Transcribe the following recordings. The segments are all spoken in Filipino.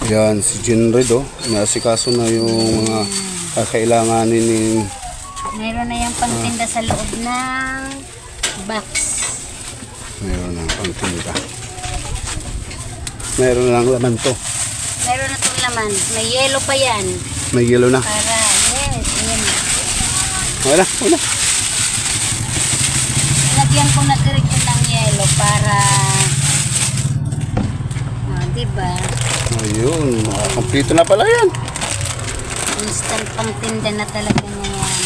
Yan, si Jinred Inaasikaso na yung mga kakailanganin ni... Mayroon na yung pangtinda sa loob ng box. Mayroon na pangtinda. Mayroon lang laman to. Mayroon na itong laman. May yellow pa yan. May yellow na. Para, yes, yan. Wala. Lagyan ko na diretso ng yellow para... diba? Ayun, kompleto na pala yan. Instant pangtinda na talaga na yan.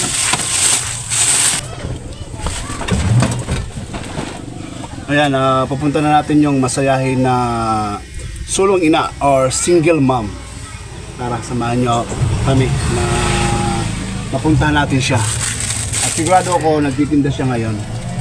Ayan, pupunta na natin yung masayahin na sulong ina or single mom. Tara, samahan nyo kami na mapuntahan natin siya. At sigurado ako, nagtitinda siya ngayon.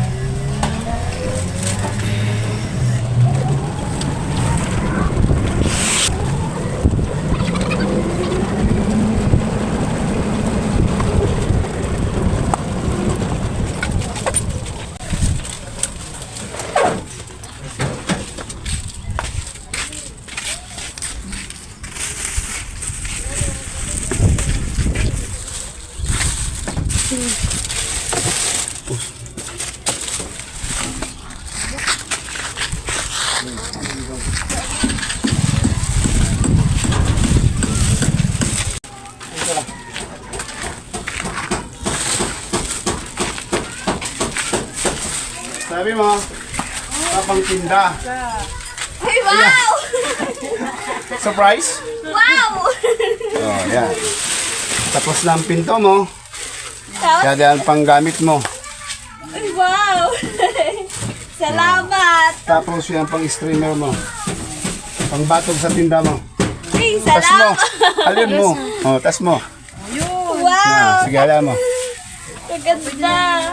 Sabi mo, kapang tinda. Ay, wow! Surprise? Wow! Oh, yan. Tapos na ang pinto mo. Kaya ang panggamit mo. Ay, wow! Salamat! Tapos yan pang streamer mo. Pangbatog sa tinda mo. Ay, Tas mo. salamat! Alin mo. Oh, tas mo. Wow! Sige, ala mo. Maganda!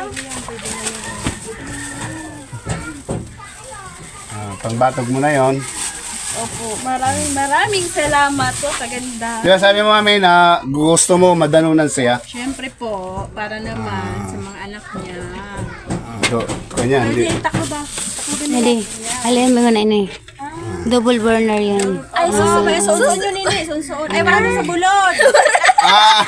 Pangbatog mo na yon. Opo, maraming salamat po, kaganda. Kaya sabi mo kami na gusto mo madanunan siya. Siyempre po, para naman sa mga anak niya. So, kanya, hindi. Hindi, takbo ba? Hindi. Alin mo na ini. Double burner yan. Ay, susunod yun ini, susunod. Ay, wala na sa bulod. Ah!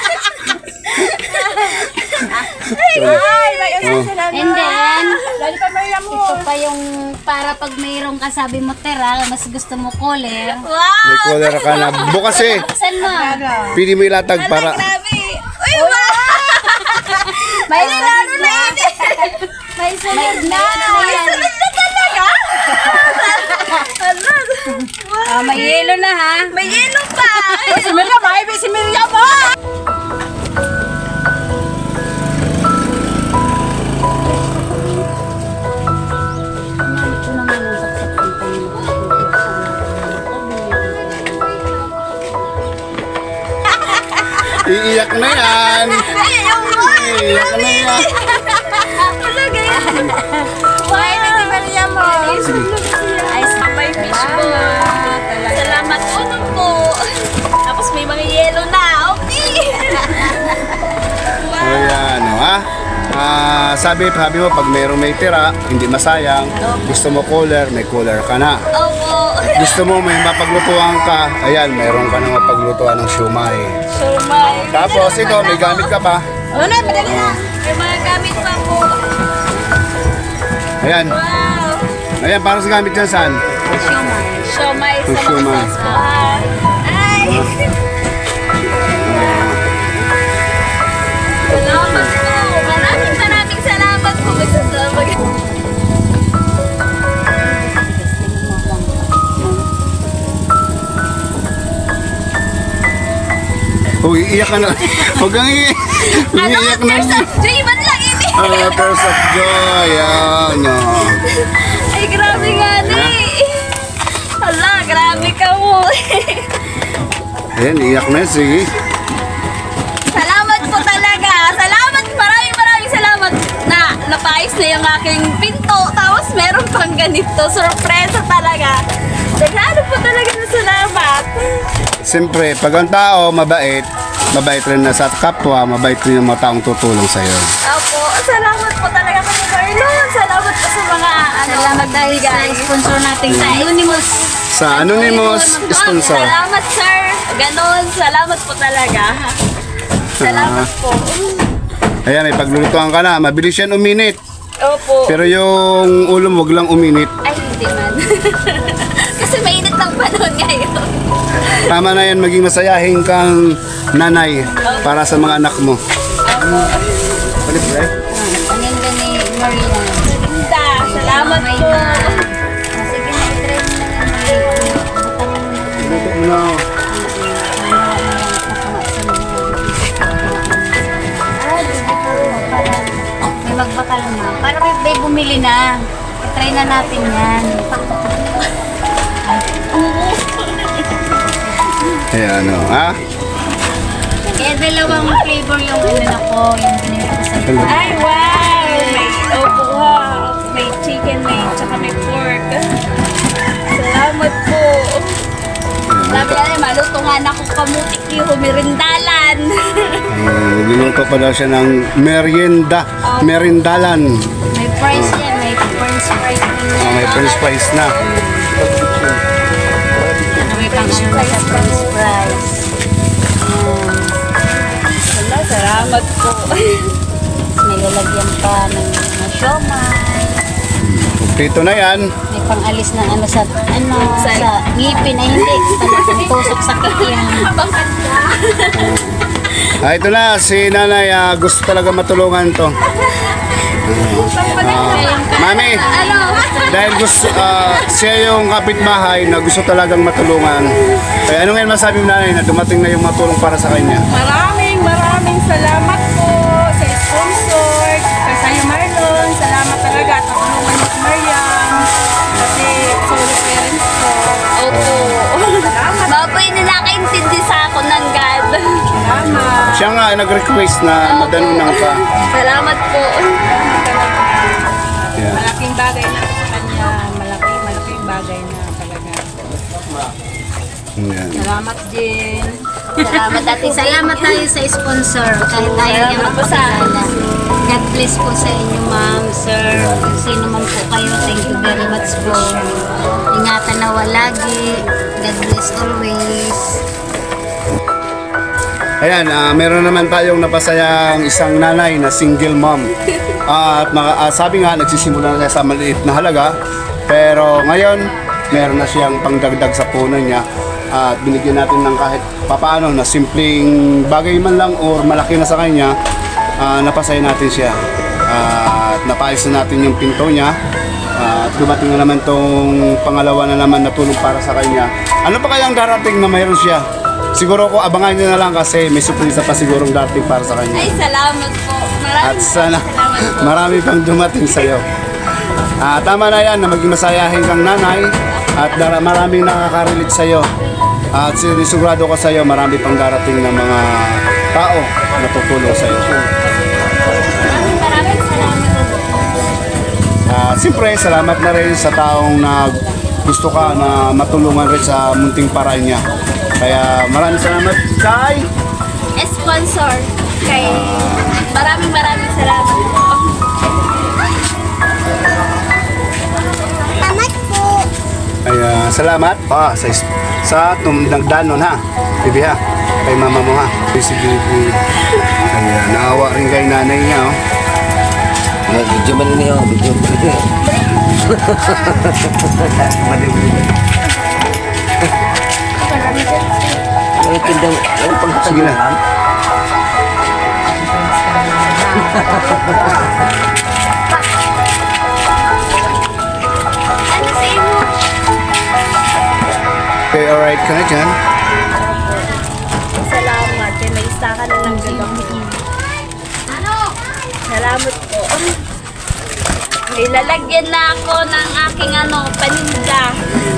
Ay, may usap sila na. And then, Lalo pa Maria mo. ito pa yung para pag mayroong kasabi mo tira, mas gusto mo collar. May collar ka na. Bukas eh. Buksan mo. Pili mo ilatag para... Grabe. Uy, wow! May lalo na yun. May sunod na. May sunod na talaga. May yelo na ha. May yelo pa. Si Miriam, si Miriam mo. Ito naman yung saksakan pa yung Iiyak na yan. Iiyak na yan. Why, may si Miriam mo. ay May fish po. Salamat po. Tapos may mga yelo na. Okay. Ayan, ha? Sabi mo, pag mayroong may tira, hindi masayang. Gusto mo collar, may collar ka na. Opo. Gusto mo may mapaglutuan ka, ayan, mayroon ka na mapaglutuan ng siumay. Sumay. Tapos ikaw, may gamit ka pa. Ano na, madali na. May mga gamit pa po. Ayan. Wow. Ayan, parang sa gamit dyan saan? Siomay sa mga Siomay. sauce po. Ay. Salamat po. Maraming salamat po. Iiyak ka na. Huwag kang iiyak. Umiiyak na. Tears of joy, ba't lang ini? Tears of joy. Ayan. Ay, grabe nga ni. Hala, grabe ka mo. Ayan, iiyak na. Sige. Salamat po talaga. Salamat, maraming salamat na napayos na yung aking pinto. Tapos meron pang ganito. Surpresa talaga. Naghalo po talaga na salamat. Siyempre, pag ang tao mabait, mabait rin na sa kapwa, mabait rin yung mga taong tutulong sa'yo. Opo, salamat po talaga kami Marlon. Salamat po sa mga Salamat dahil sa sponsor natin sa Unimus sa anonymous sponsor. Salamat, sir. Ganon, salamat po talaga. Salamat po. Ayan, may paglulutuan ka na. Mabilis yan uminit. Opo. Pero yung ulo mo, wag lang uminit. Ay, hindi man. Kasi mainit ng panahon ngayon. Tama na yan, maging masayahin kang nanay para sa mga anak mo. Balik, right? Ang ganda ni Maria. Ganda, salamat po. Sige na, i-try mo na yan. Luto mo na. May magbakal na. Para may bumili na. I-try na natin yan. Ayan, ano, ha? Kaya dalawang flavor yung ano ko, yung binili ko sa Ay, wow! May opo ha. May chicken, may tsaka may pork. Salamat po. Sabi na rin, malutungan ako kamutik yung humirindalan. Niluto pa daw siya ng merindalan. May fries yan, may french fries. May french fries na. May pang ano na sa french fries. Wala, salamat po. May lalagyan pa ng mga siomay. Dito na yan. May pang-alis ng ano sa ngipin ay hindi. Talagang tusok sa kikiyan. Ito na, si nanay gusto talaga matulungan to. Mami, dahil gusto, siya yung kapitbahay na gusto talagang matulungan. Kaya ano ngayon masabi mo nanay na dumating na yung matulong para sa kanya? Maraming salamat po sa sponsor, kay Sayo Marlon. Salamat talaga at natulungan mo si Mariam. Kasi solo parents ko. Opo. Mga po yung nakaintindi sa ako ng God. Salamat. Siya nga nag-request na madanunan ka. Salamat po. Yeah. Malaking bagay na sa kanya. Malaking bagay na talaga. Yan. Salamat din. Salamat ating salamat tayo sa sponsor. Kahit tayo niya magpakilala. God bless po sa inyo ma'am, sir. Kung sino man po kayo, thank you very much po. Ingatan na lagi. God bless always. Ayan, meron naman tayong napasayang isang nanay na single mom. At sabi nga, nagsisimula na siya sa maliit na halaga. Pero ngayon, meron na siyang pangdagdag sa puno niya. At binigyan natin ng kahit papaano na simpleng bagay man lang or malaki na sa kanya, napasaya natin siya. At napaayos na natin yung pinto niya. At dumating na naman tong pangalawa na naman na tulong para sa kanya. Ano pa kayang darating na mayroon siya? Siguro ko abangan niyo na lang kasi may surprise pa sigurong darating para sa kanya. Ay, salamat po. At sana salamat po. marami pang dumating sa'yo. Tama na yan na maging masayahin kang nanay at maraming nakaka-relate sa'yo. At sinisigurado ko sa'yo marami pang darating na mga tao na tutulong sa'yo. Maraming salamat. Siyempre, salamat na rin sa taong na gusto ka na matulungan rin sa munting paraan niya. Kaya maraming salamat kay Sponsor. Kay maraming salamat po. Salamat po. Kaya salamat sa tumdagdanon ha. Bibi ha. Kay mama mo ha. Si Bibi. Kaya naawa rin kay nanay niya oh. Video man niyo, video. Ang tindang, ang Sige na. pagkatagyan. Ano sa iyo? Okay, alright ka na dyan. Salamat. Kaya may isa ka na ng gagamit. Salamat po. May lalagyan na ako ng aking paninda.